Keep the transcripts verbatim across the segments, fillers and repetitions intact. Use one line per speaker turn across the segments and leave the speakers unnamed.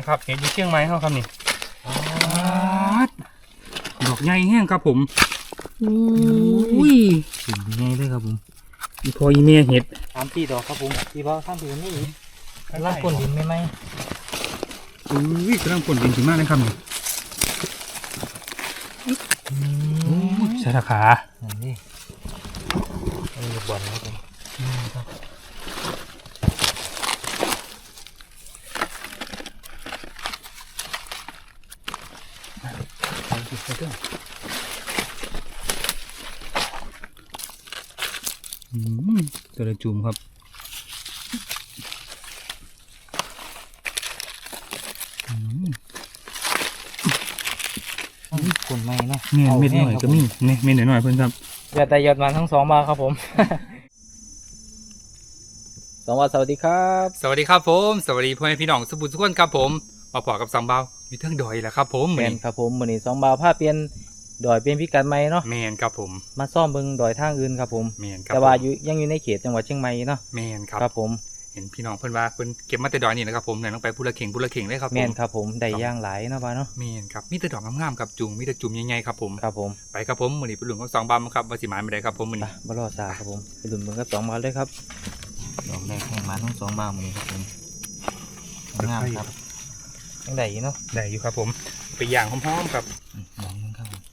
ครับเห็ดอยู่เชียงใหม่เขาครับนี่ดอกใหญ่แห้งครับผมอุ้ยถึงใหญ่เลยครับผมอีพออีเมียเห็ด
สามปีดอกครับผมปีเพราะสามปีนี่ล่างก้นดินไม่ไหม
อุ้ยกำลังผลดินถึงมากเลยครับนี่ใช่ราคา
นี่มีบ่อนครับผม
ตัวละจุ่มครับ
คนไม่เนาะ
เม็ดเม็ดหน่อยก็มีเนี่ยเม็ดหน่อยเพื่อนครับ
ยอดแต่ยอดมันทั้งสองมาครับผม สวัสดีสวัสดีครับ
สวัสดีครับผมสวัสดีพ่อแม่พี่น้องสุบุญสุขคนครับผมมาพอกับสองเบาอยู่เทิงดอยแหละครับผม
แมนครับผมมือนี้สองบาวผ้าเปลี่ยนดอยเปลี่ยนพิกัดใหม่เนาะ
แมนครับผม
มาซ่อมเบิงดอยทางอื่นครับผม
แมนครับ
แต่ว่าอยู่ยังอยู่ในเขตจังหวัดเชียงใหม่เนาะ
แมนครับ
ครับผม
เห็นพี่น้องเพื่อนว่าเพื่อนเก็บมาแต่ดอยนี่นะครับผมเนี่ยต้องไปพูละเข่งพูละเข่งเลยครับผม
แมนครับผมได้ย่างหลายเนาะบ้าเนาะ
แมนครับมีแต่ดอกงามๆครับจุ่มมีแต่จุ่มใหญ่ๆครับผม
ครับผม
ไปครับผมมือนี้เป็นหลุมของสองบามครับวาสิหมายไม่ได้ครับผมมือ
ไป
นี้
บารอซาครับผมไปดุนเบิงกับสองบาวเลยครับดอกแรกแข่งมาทั้งสองบาวมือนี้ครับผมงามครับยังได้อยู่เนาะ
ได้อยู่ครับผมไปย่างหอมๆครับ
ดอกนึงครับผม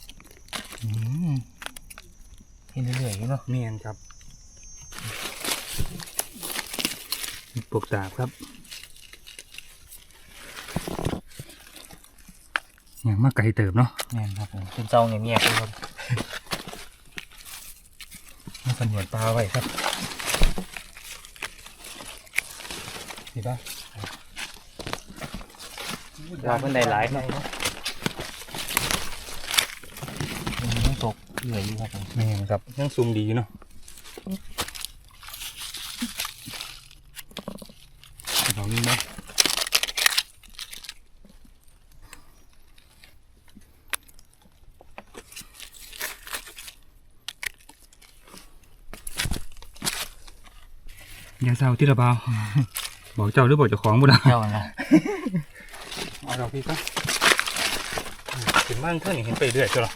เห็นเรื่อยๆอยู่เนาะ
แมนครับปลูกตาบครับอย่างมากไก่เติบเนาะ
แม่นครับผมเป็นเจ้าเงียบๆเลยครับ
มาสำรวจปลาไว้ครับเห็นปะ
ว่าเพิ่นได้หลายเนาะยังตกเหนื่อยอยู่ครับผม
นี่ครับยังซูมดีเนาะลองนี่ไหมอย่าเศร้าที่ระเบาบอกเจ้าหรือบอกเจ้าของบุญ
เจ้านะ
เอาเราพี่ก็ถึงบ้านเท่านี้เห็นไปเรื่อยจ้ะหรอ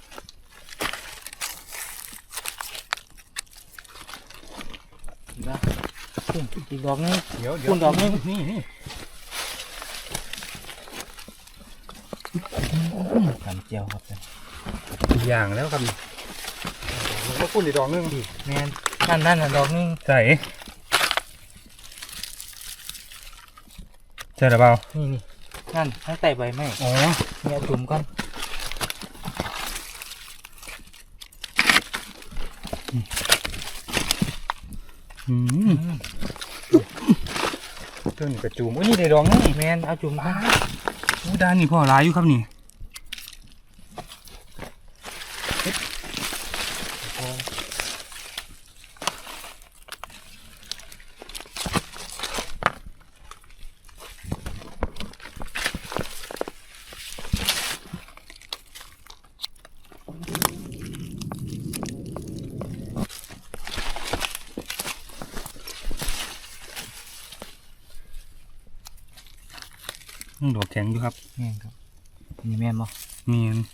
อีกดอกนึง
เดี๋ยวเดี๋ยว
คุณดอกนึง
นี่นี่
ทำเจียวครับ
อีกอย่างแล้วครับแล้วก็คุณอีกดอกนึง
แม่นนั่นนั่นน่ะดอกนึง
ใส่ใช่หรือเปล่า
นี่นี่นั่นทั้งแต่ใบไม้
อ๋อ
เนี่ยจุ่มก่อน
อืมเจ้านี่กระจูมโอ้ยนี่ได้ดอกนึง
แม่นเอาจุ่มก่อน
อู้ด้านนี่พ่อร้ายอยู่ครับนี่ดอกแข็งอยู่ครับ
แม่นครับนี่แม่นบ่
เมียน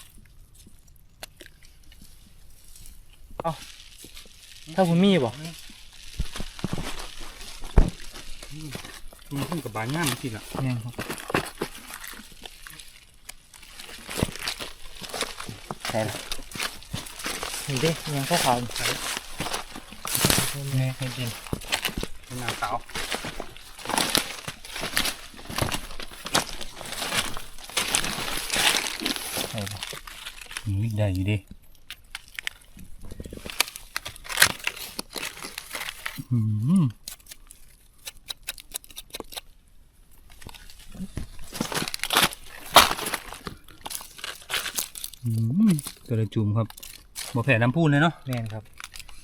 ถ้าคุณมีบ่
มันขึ้นกับบานง่ามทีละ
แม่นครับใช่ละนี่เด้ยังขาวๆใส่แม่ให้กิน
เป็นหน้าสาว
ใช่บ่
นี่ได้อยู่ดิอืมอืมตัวละจุ่มครับบ่แผ่น้ำพูนเลยเนาะ
แม่นครับ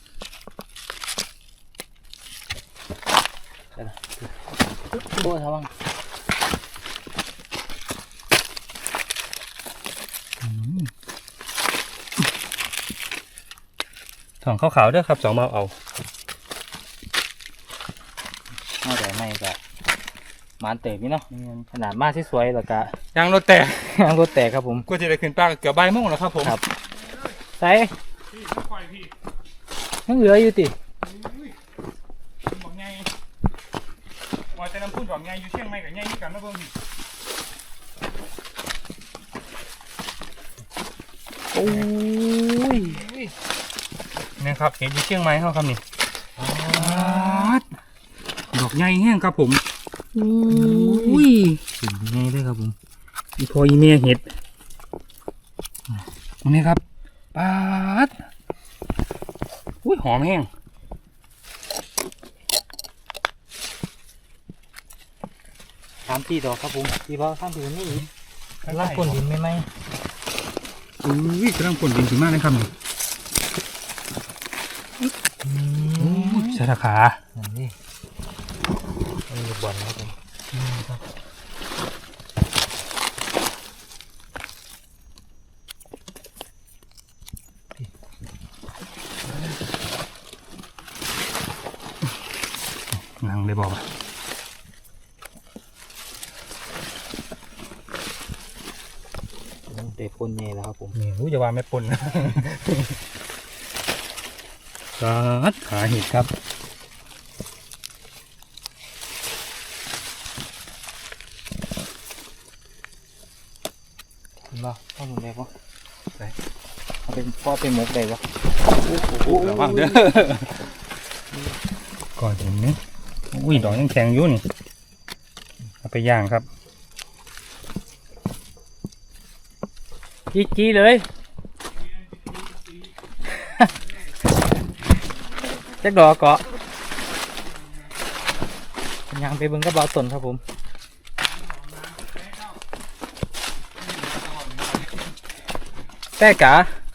ใช่ละโอ้ทวัง
ถ่องขาวๆด้วยครับสองเบาเอา
นอกจากไม่ก็มมานเต๋พี่เนาะ
แม่น
ขนาดมาที่สวยแล้วก็
ยางรถแตก
ยางรถแตกครับผม
ก็จะได้ขึ้นปลาเกือบบ่ายโมงแล้วครับผม
ครับใส่
พี่ค่อยพี่
ยังเหลืออยู่ติ
บอกไงว่าจะนำพูดบอกไงอยู่เชียงใหม่กับไงนี่กันนะเบิ่ง
โอ้ย
นี่ครับเห็นอยู่เชียงใหม่เขาครับนี่ดอกใหญ่แห้งครับผม
อุ้ย
ถึงใหญ่เลยครับผมอีพออีเมียเห็ดนี่ครับปาดอุ้ยหอมแห้ง
สามสี่ดอกครับผมพี่พ่อสามสี่นี่อีกลากก้นดินไหมไหม
อุ้ยกำลังผลดินถึงมากเลยครับนี่อุ้ยสารขา
อันนี้มันมีบ่อนครับผมครับ
นังเลยบอกว่า
เตะพ่นใหญ่แล้วครับผม
นี่รู้จะว่าไม่ปนนะกัดขาเห็ดครับ
เห็นป่ะข้อมูลได้ป่ะได้เอาเป็นพ่อเป็นมกได้ป่ะ
ระวังเด้อก่อนเห็นไหมอุ้ยดอกยังแข็งอยู่นี่เอาไปย่างครับ
จี้จี้เลย จักดอกเกาะยังไปเบิ่งกระเป๋าต้นครับผมแต่กะ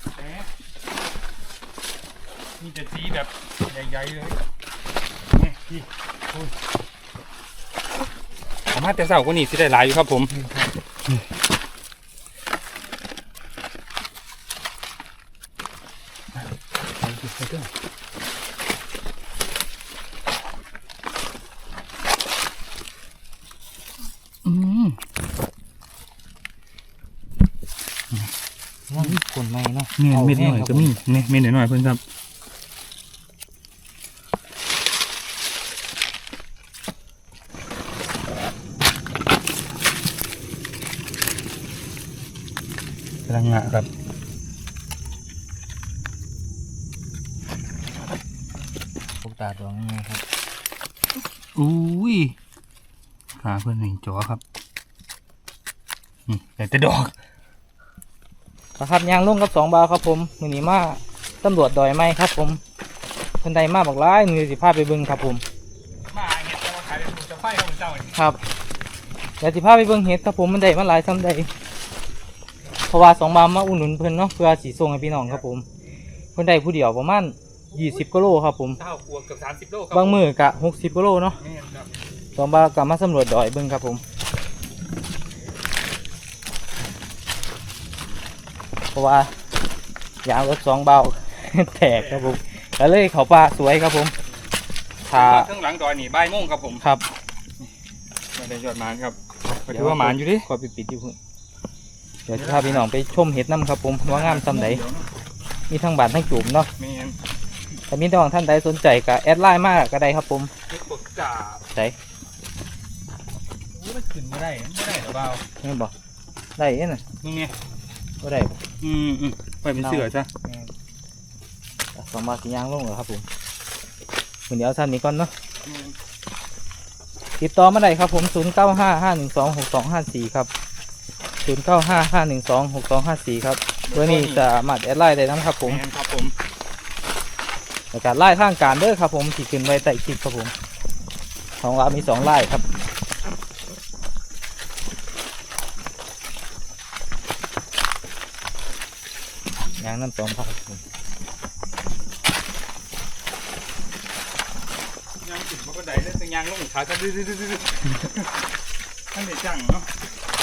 มีแต่สีแบบใหญ่ๆเลยนี่พี่อุ้ยสามารถแต่เสาก็นี่สิได้หลายอยู่ครับผมอืม
นั่นคนใหม่เนาะ
เม็ดเม็ดหน่อยก็มีเนี่ยเม็ดหน่อยๆเพื่อนครับกำลังงะครับ
พวกตาดวงนี่ครับ
อุ้ยขาเพื่อนหนึ่งจอครับนี่แต่แต่ดอก
ครับยางลุ่งกับสองบาทครับผมมือนี้มาตำรวจดอยไม้ครับผมคนใดมาบอกร้ายมือสิพาไปเบิ้งครับผม
มาเห็ดจะมาขายเป็นจะไฟครับเจ้า
ครับเดี๋ยวสิพาไปเบิ้งเห็ดครับผมมันได้มาหลายซ้ำใดเพราะว่าสองบาทมาอุ่นหนุนเพิ่นเนาะเพื่อสีส่งให้พี่น้องครับผมคนใดผู้เดียวประมาณยี่สิบกิโลครับผม
เท่าขวบเกือบสามสิบโลครับ
บางมือกะหกสิบกิโลเนาะ
นี่ครับ
สองบาทกลับมาสำรวจดอยเบิ้งครับผมเพราะว่ายางรถสองเบา แตกครับผมแล้วเลยเขาป่าสวยครับผมถ้า
ข้างหลังดอยนี่บ่ายโมงครับผม
ครับ
ไม่ได้ยอดหมานครับก็ถือว่าหมานอยู่ดิ
ขอไปปิดอยู่พุ่นเดี๋ยวจะพาพี่น้องไปชมเห็ดน้ำครับผมว่างามซ้ำไหนมีทั้งบานทั้งจุ่มเนาะ
แม่น
แต่มีน้องท่านใดสนใจก็แอดไลน์มากก็ได้ครับผม
เฮ็ดปกจ่า
ใส่
โอ้มันขึ้นไม่ได้ไม่ได้หรอเปล่า
ไม่บอกได้เอ็น่ะ
นี่ไง
ก็ได้บ่
อืมอืมไปเป็นเสือจ้ะ
แม่นสองบาทสียางลงเหรอครับผมวันนี้เอาสั้นนี้ก่อนเนาะติดต่อมาได้ครับผมศูนย์เก้าห้าห้าหนึ่งสองหกสองห้าสี่ครับศูนย์เก้าห้าห้าหนึ่งสองหกสองห้าสี่ครับเบอร์นี้จะมาแอดไลน์ได้นะครับผม
แม่นครับผม
ในการไล่ทางการเด้อครับผมที่ขึ้นไว้ใต้คลิปครับผมของเรามีสองไล่ครับยางน้ำสองพันครับผม
ยางขึ้นมันก็ได้แล้วแต่ยางลงขาก็ดื้อดื้อดื้อดื้อท่านเด็ดจังเนาะ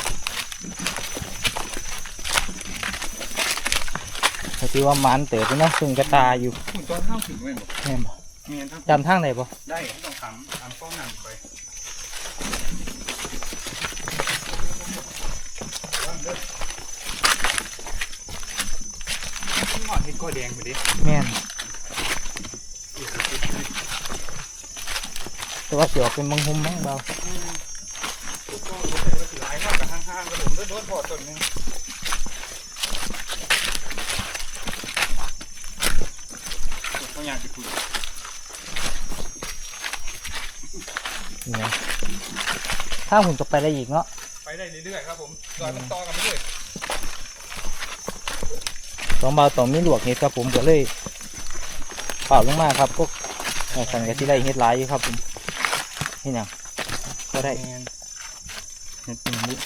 ก็คือว่ามันเต๋อไปเนาะซึ่งกระตาอยู่
คุณตอนข้าวขึ้นไว้บ่
แม่นบ่
แม่นทั้ง
จำทางไหนบ่
ได้ต้องทำทำป้องนั่นไปก็แดงไปดิ
แม่นแต่ว่าเสียวเป็นบางหุมบ้างเบา
ก็รู้สึกว่าสิหลายมากกับห้างๆกระผมโดนพอต้นนึงเขาอยากจะคุย
นี่นะถ้าหุ่นจะไปได้อีกเนาะ
ไปได้เรื่อยๆครับผมซอยมันต่อกันไปเรื่อย
สองเบาต่อมีหลวกเห็ดครับผมก็เลยเปล่าลงมาครับพวกสันก็ที่ได้เห็ดหลายอยู่ครับผมนี่ยังก็ได้
เห็ดเป็นนี้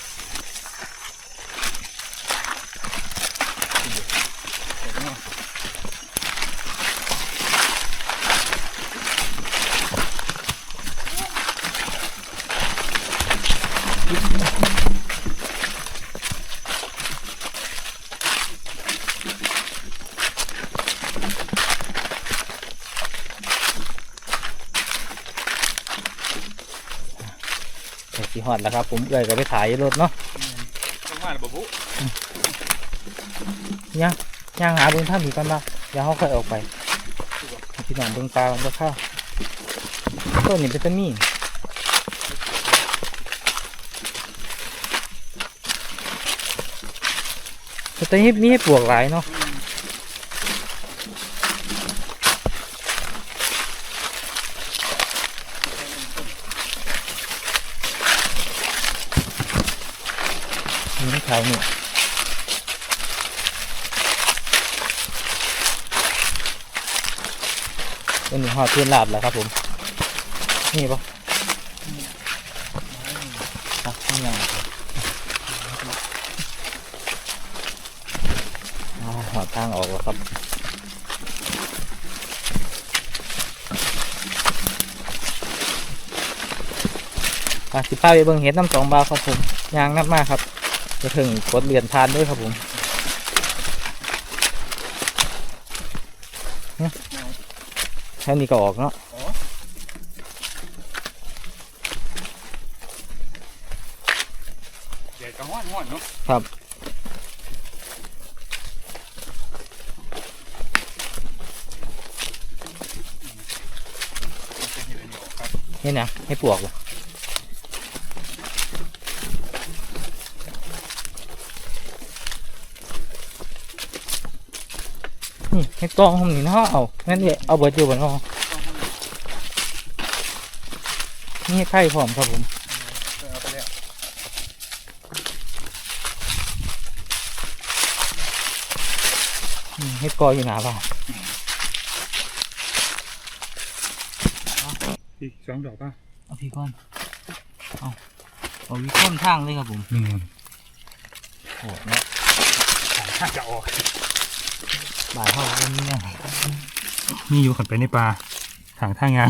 สีหอดแล้วครับผมเอื่อยก็ไปถ่ายรถเนาะ
ต้องมาแล้วบุบุ
ย่างย่างหาเบิ้งท่ามีกันบ้างเดี๋ยวเขาค่อยออกไปให้พี่น้องเบิ้งปลามันก็เข้าต้นนี้เป็นต้นมีแต่ตอนนี้มีให้ปลวกหลายเนาะนี่ขายเนี่ยเป็นหนึ่งห่อเทียนลาบแล้วครับผมนี่ปะอ่ะนี่ยังอ๋อหอทางออกแล้วครับอ่ะสิป้าไปเบิ่งเห็ดน้ำสองบาทครับผมยางนับมากครับจะถึงกดเหรียญทานด้วยครับผมแค่นี้ก็ออกเนาะ
เดี๋ยวจะห้อนห้อนเนาะ
ครับ
จะเห็นอะไรออกครับ
นี่นะให้ปลวกเหรอนี่ให้กองผมนี่เนาะเอางั้นเดี๋ยวเอาเบิร์ดอยู่บนห้องนี่ให้ไข่พร้อมครับผม
เอาไปแล้ว
อืมให้กออยู่หนาบ้าน
อีกสองดอกป่ะ
เอาพี่ก้อนเอาเอาวิค้อนทางเลยครับผม
นี่
โหดเนาะ
ถ้าจะออก
บ่ายเข้าเรื่องนี้เนี่ย
นี่อยู่ขันไปในป่าทางท่างาน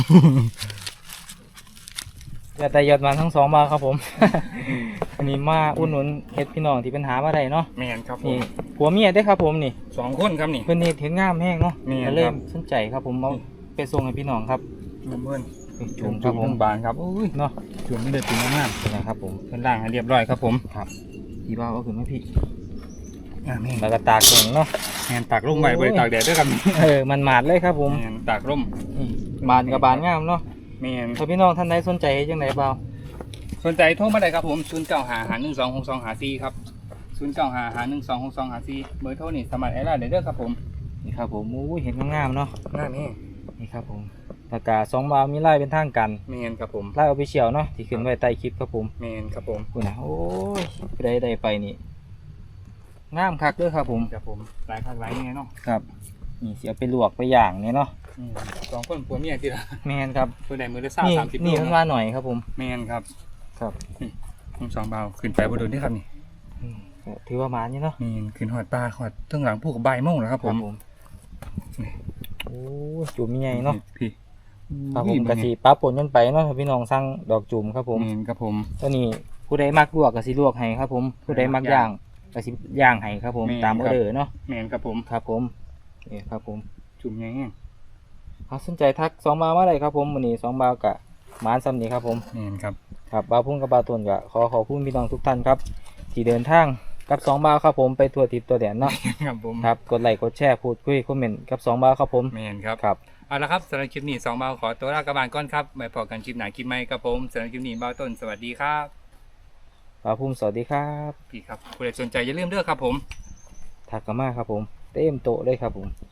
ยอดแต่ยอดมันทั้งสองมาครับผม อันนี้มาอุ่นหนุนเฮ็ดพี่น้องที่เป็นหามาได้เนาะ
แมนครับผ
นี่
ม
ผัวเมียได้อครับผมนี่
สองคนครับนี่
เพิ่นนี่เห็นงามแห้งเนาะ
แม่น
ก็เริ่
ครั
ม
บ
สนใจครับผมเอาไปส่งให้พี่น้องครับ
เพื่อน
นี่
จุ่
จุ่
ม
มค
จุ่
รับ
ม
ผม
บานครับอุ้ย
เนาะ
จุ่มไม่ได้ตีนมาก
เป็นไงครับผม
เพื่อนล่างให้เรียบร้อยครับผม
ครับพี่บ่าวเอาขึ้นมาพี่
อ่าแม่น
แล้วก็ตากแข็งเนาะ
แมนตากร่มไว้บริตากแดดด้วยครับ
เออมันหมาดเลยครับผม
แมนตากร่ม
นี่บานกับบานงามเนาะ
แมน
ถ้าพี่น้องท่านใดสนใจเฮ็ดจังไดบ่าว
สนใจโทรมาได้ครับผมศูนย์เก้าหาหาหนึ่งสองหกสองหาสี่ครับศูนย์เก้าหาหาหนึ่งสองหกสองหาสี่เบอร์โทรนี่สมัครแอร์ไลน์ได้เด้อครับผม
นี่ครับผมอู้ยเห็นงามๆเนาะ
ง่ายนี่
นี่ครับผมแล้วก็สองบ่าวมีไล่เป็นทางกัน
แมนครับผม
ไล่เอาไปเชียวเนาะที่ขึ้นไว้ใต้คลิปครับผม
แมนครับผม
คุณนะโอ้ยไปได้ได้ไปนี่งามคักเด้วยครับผม
ครับผมหลายภาคหลายเนี่ยเนาะ
ครับนี่เสียไปลวกไปย่างเนี่ยเนาะ
อืมสองคนผัวเมียทีละ
แมนครับ
ตัวใดมือละสาม
นี่
สามสิบ
นี่
โล
มัน
เนาะ
ว่าหน่อยครับผม
แมนครับ
ครับ
ผมสองเบาขึ้นไปบนโดนที่ครับนี่
อืมก็ถือว่ามานี่เนาะ
แมนขึ้นหอดปลาหอดตั้งหลังพวกใบายโม่งแล้วครับผม นี่
โอ้ยจุ่มใหญ่เนาะ
พี่
ครับผมกะสีปลาปนกันไปเนาะถ้าพี่น้องสั่งดอกจุ่มครับผม
แมนครับผม
ตัวนี้ผู้ใดมักลวกกะสิลวกให้ครับผมผู้ใดมักย่างกะสิย่างให้ครับผม
แม่น
ตามอ
ค
อ
รับ
เดอร์เนาะ
แมนครับผม
ครับผมนี่ครับผม
จุ่มแง่ง
ถ้าสนใจทักสองบาวมาได้ครับผมวันนี้สองบาวกะหมานซ้ำนี้ครับผม
แมนครับ
ครับบาวพุ่งกับบาวตนกะขอขอบคุณพี่น้องทุกท่านครับที่เดินทางกับสองบ่าวครับผมไปทั่วทิศตัวแดนเนาะ
ครับผม
ครับกดไลค์กดแชร์พูดคุยคอมเมนต์กับสองบ่าวครับผม
แมนครับ
ครับ
เอาละครับสำหรับคลิปนี้สองเบาขอตัวลากระบาลก่อนครับไว้พอกันคลิปไหนคลิปใหม่ครับผมสำหรับคลิปนี้เบาต้นสวัสดีครับ
บ่าวภูมิสวัสดีครับ
พี่ครับผู้ใดสนใจอย่าลืมเด้อครับผม
ทักกันมาครับผมเต็มโต๊ะเลยครับผม